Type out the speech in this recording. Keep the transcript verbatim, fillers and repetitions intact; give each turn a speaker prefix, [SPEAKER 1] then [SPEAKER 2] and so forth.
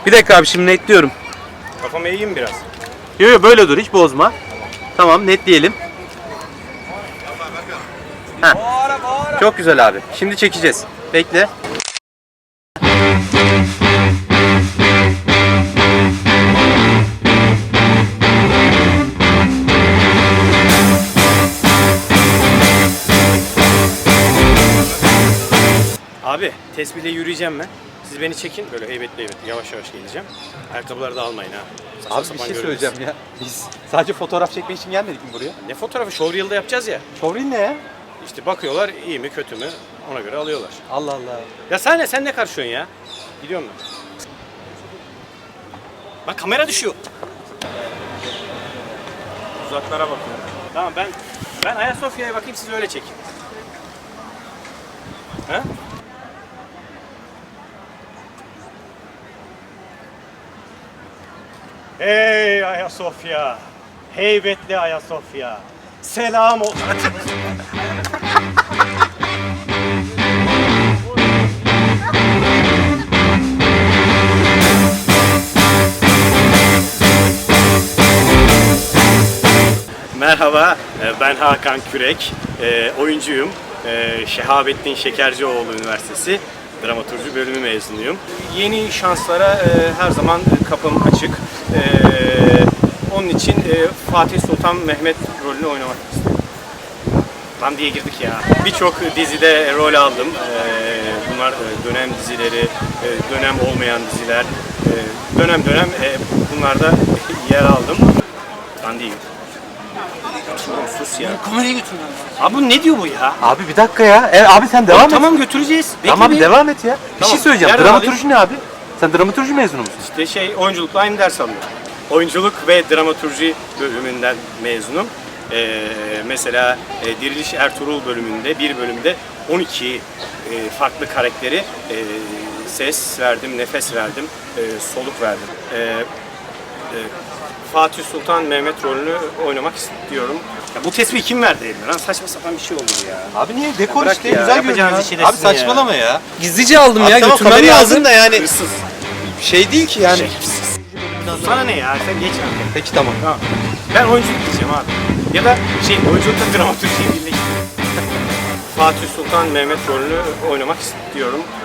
[SPEAKER 1] Bir dakika abi, şimdi netliyorum.
[SPEAKER 2] Kafamı eğeyim biraz.
[SPEAKER 1] Yo yo, böyle dur, hiç bozma. Tamam, netleyelim. Heh. Çok güzel abi. Şimdi çekeceğiz. Bekle.
[SPEAKER 2] Abi tespihle yürüyeceğim ben. Siz beni çekin böyle heybetli heybetli yavaş yavaş geleceğim. Ayakkabıları da almayın ha. Saçma
[SPEAKER 1] Abi bir
[SPEAKER 2] sapan
[SPEAKER 1] şey
[SPEAKER 2] görünürsün.
[SPEAKER 1] söyleyeceğim ya. Biz sadece fotoğraf çekmek için gelmedik mi buraya?
[SPEAKER 2] Ne fotoğrafı? Showreel'da yapacağız ya.
[SPEAKER 1] Showreel ne ya?
[SPEAKER 2] İşte bakıyorlar iyi mi kötü mü ona göre alıyorlar.
[SPEAKER 1] Allah Allah.
[SPEAKER 2] Ya sen ne, sen ne karışıyorsun ya? Gidiyor musun? Bak kamera düşüyor. Uzaklara bakıyorum. Tamam ben ben Ayasofya'ya bakayım siz öyle çekin. Ha? Hey Ayasofya. Heybetli Ayasofya. Selam olsun. Merhaba, ben Hakan Kürek, oyuncuyum. Şehabettin Şekercioğlu Üniversitesi Dramaturji bölümü mezunuyum. Yeni şanslara her zaman kapım açık. Onun için Fatih Sultan Mehmet rolünü oynamak istiyorum. Lan diye girdik ya. Birçok dizide rol aldım. Bunlar dönem dizileri, dönem olmayan diziler. Dönem dönem bunlarda yer aldım. Lan değil. Oğlum sus ya.
[SPEAKER 1] Kamerayı götür.
[SPEAKER 2] Abi bu ne diyor bu ya?
[SPEAKER 1] Abi bir dakika ya. E, abi sen devam et.
[SPEAKER 2] Tamam götüreceğiz. Bekle
[SPEAKER 1] Tamam
[SPEAKER 2] bir.
[SPEAKER 1] devam et ya. Bir
[SPEAKER 2] Tamam.
[SPEAKER 1] şey söyleyeceğim.
[SPEAKER 2] Nereden
[SPEAKER 1] Dramaturji ne abi? Sen dramaturji mezunu musun?
[SPEAKER 2] İşte şey oyunculukla aynı ders alıyorum. Oyunculuk ve dramaturji bölümünden mezunum. Ee, mesela e, Diriliş Ertuğrul bölümünde bir bölümde on iki e, farklı karakteri e, ses verdim, nefes verdim, e, soluk verdim. E, e, Fatih Sultan Mehmet rolünü oynamak istiyorum. Ya bu tespihi kim verdi eline lan? Saçma sapan bir şey oldu bu ya.
[SPEAKER 1] Abi niye? Dekor
[SPEAKER 2] bırak
[SPEAKER 1] işte
[SPEAKER 2] ya,
[SPEAKER 1] güzel
[SPEAKER 2] yapacağınız
[SPEAKER 1] görünüyor.
[SPEAKER 2] işi
[SPEAKER 1] Abi
[SPEAKER 2] desin
[SPEAKER 1] saçmalama ya.
[SPEAKER 3] Gizlice aldım
[SPEAKER 1] Abi
[SPEAKER 3] ya,
[SPEAKER 1] tamam,
[SPEAKER 3] götürmem
[SPEAKER 1] kamerayı
[SPEAKER 3] lazım.
[SPEAKER 1] aldın da yani
[SPEAKER 2] Hırsız.
[SPEAKER 1] şey değil ki yani.
[SPEAKER 2] Şerefsiz. Sana ne ya? Sen geç artık.
[SPEAKER 1] Peki tamam.
[SPEAKER 2] Tamam. Ben oyunculuk diyeceğim abi. Ya da şey oyunculukla dramaturjiyi birleştireyim. Fatih Sultan Mehmet rolünü oynamak istiyorum.